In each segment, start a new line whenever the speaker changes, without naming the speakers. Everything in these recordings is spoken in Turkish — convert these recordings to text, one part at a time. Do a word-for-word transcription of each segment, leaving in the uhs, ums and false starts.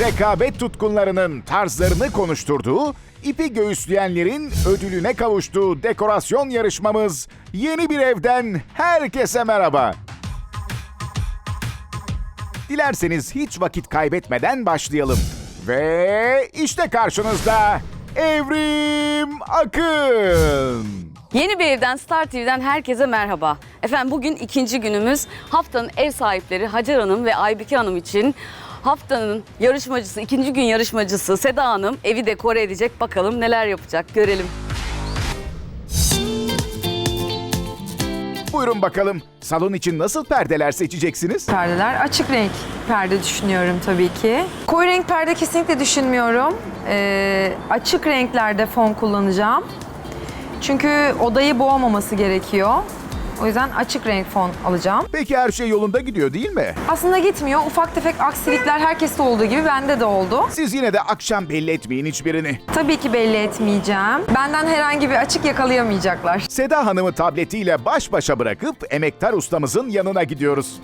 rekabet tutkunlarının tarzlarını konuşturduğu, ipi göğüsleyenlerin ödülüne kavuştuğu dekorasyon yarışmamız Yeni Bir Evden herkese merhaba. Dilerseniz hiç vakit kaybetmeden başlayalım. Ve işte karşınızda Evrim Akın.
Yeni Bir Evden, Star T V'den herkese merhaba. Efendim bugün ikinci günümüz. Haftanın ev sahipleri Hacer Hanım ve Aybike Hanım için haftanın yarışmacısı, ikinci gün yarışmacısı Seda Hanım evi dekore edecek. Bakalım neler yapacak, görelim.
Buyurun bakalım, salon için nasıl perdeler seçeceksiniz?
Perdeler açık renk perde düşünüyorum tabii ki. Koyu renk perde kesinlikle düşünmüyorum. Ee, açık renklerde fon kullanacağım. Çünkü odayı boğmaması gerekiyor. O yüzden açık renk fon alacağım.
Peki her şey yolunda gidiyor değil mi?
Aslında gitmiyor. Ufak tefek aksilikler herkeste olduğu gibi bende de oldu.
Siz yine de akşam belli etmeyin hiçbirini.
Tabii ki belli etmeyeceğim. Benden herhangi bir açık yakalayamayacaklar.
Seda Hanım'ı tabletiyle baş başa bırakıp emektar ustamızın yanına gidiyoruz.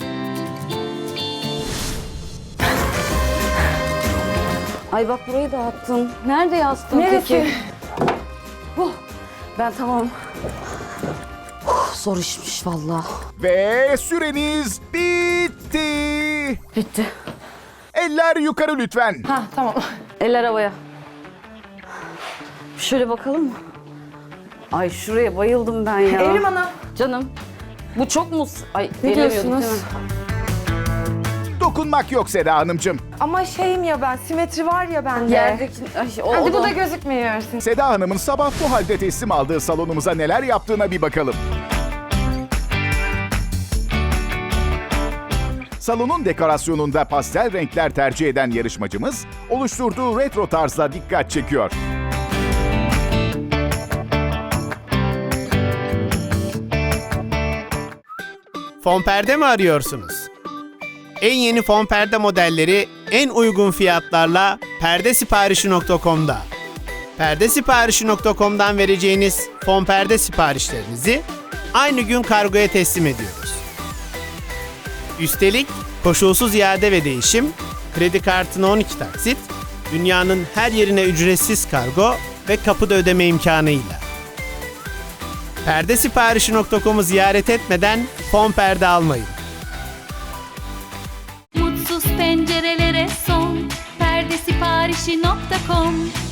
Ay bak burayı dağıttın. Nerede yastın
Neresi?
peki? Oh, ben tamam. Oh, zor işmiş vallahi.
Ve süreniz bitti.
Bitti.
Eller yukarı lütfen.
Ha tamam.
Eller havaya. Şöyle bakalım mı? Ay şuraya bayıldım ben ya.
Evrim Ana.
Canım. Bu çok mu? Ay
Ne
gelemiyorduk
diyorsunuz?
değil mi?
Dokunmak yok Seda Hanımcığım.
Ama şeyim ya ben, simetri var ya bende.
Yerdeki... Ay, o,
Hadi
o
bu
da...
da gözükmüyor.
Seda Hanım'ın sabah bu halde teslim aldığı salonumuza neler yaptığına bir bakalım. Salonun dekorasyonunda pastel renkler tercih eden yarışmacımız, oluşturduğu retro tarzla dikkat çekiyor.
Fon perde mi arıyorsunuz? En yeni fon perde modelleri en uygun fiyatlarla perdesiparişi nokta com'da. perdesiparişi nokta com'dan vereceğiniz fon perde siparişlerinizi aynı gün kargoya teslim ediyoruz. Üstelik koşulsuz iade ve değişim, kredi kartına on iki taksit, dünyanın her yerine ücretsiz kargo ve kapıda ödeme imkanıyla. perdesiparişi nokta com'u ziyaret etmeden fon perde almayın.
Mutsuz pencerelere son perdesiparişi nokta com